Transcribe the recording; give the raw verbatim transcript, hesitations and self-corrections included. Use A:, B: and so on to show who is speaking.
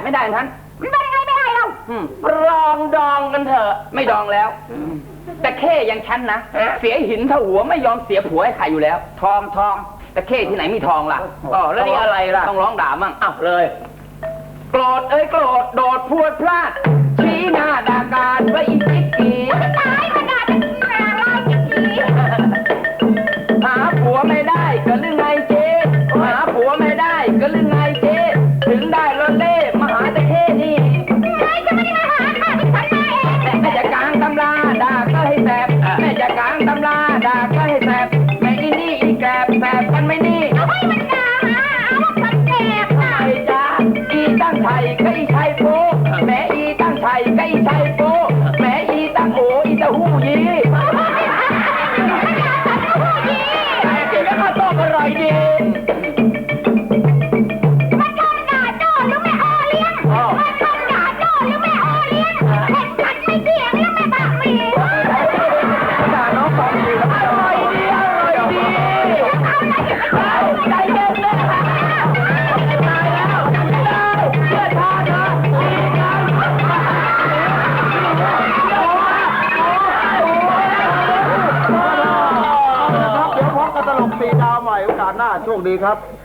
A: ไม่ได้ทั้น
B: มันเป็นยังไงไม่ได้เรา
A: ลองดองกันเถอะไม่ดองแล้วแต่เข้ยังฉันนะเสียหินเท่าหัวไม่ยอมเสียผัวให้ใครอยู่แล้วทองทองแต่เข้ที่ไหนมีทองล่ะอ๋อแล้วนี่อะไรล่ะต้องร้องด่ามั่งอ้าวเลยโกรธเอ้ยโกรธโดดพวดพลาดชี้หน้าด่าการว่าอีจิกกี
B: ตายมาด่าจะอะไรจิกกี
A: หาผัวไม่ได้ก็เรื่องไงเจ๊หาผัวไม่ได้ก็เรื่องไงเจ๊ถึงได้รถเล่มาหาแต่เข้นี่
B: ไอ้จะไม่ได้มาหาค่ะที่ฉันมาเอง
A: แม่จะกลางตำราด่าก็ให้แสบแม่จะกลางตำราด่าก็ให้แสบแม่อีนี่อีแกบแสบกันไม่นี่
B: เอาให้มันด่าหาเอาว่าฉันแสบค่ะ
A: ไอ้จ้าอีตั้งไทยก็อีชัยโปแม่อีตั้งไทยก็อีชัยโปแม่อีตั้งโออีตะหู้ยีแต่กินแล้วก็ต้มอร่อยดี
B: มันชมด่าโจ้หรือแม่ออเลี้ยงมันชมด่าโจ้หรือแม่ออเลี้ยงเห็นฉันไม่เถียงแล้วแม่บักมี
A: ด่าน้องฟังดีอร่อยดีอร่อยดีใจเย็นเลยตายแล้วเชื่อทางนะดีกัน
C: เดี๋ยวพบกันตลกสี่ดาวใหม่โอกาสหน้าโชคดีครับ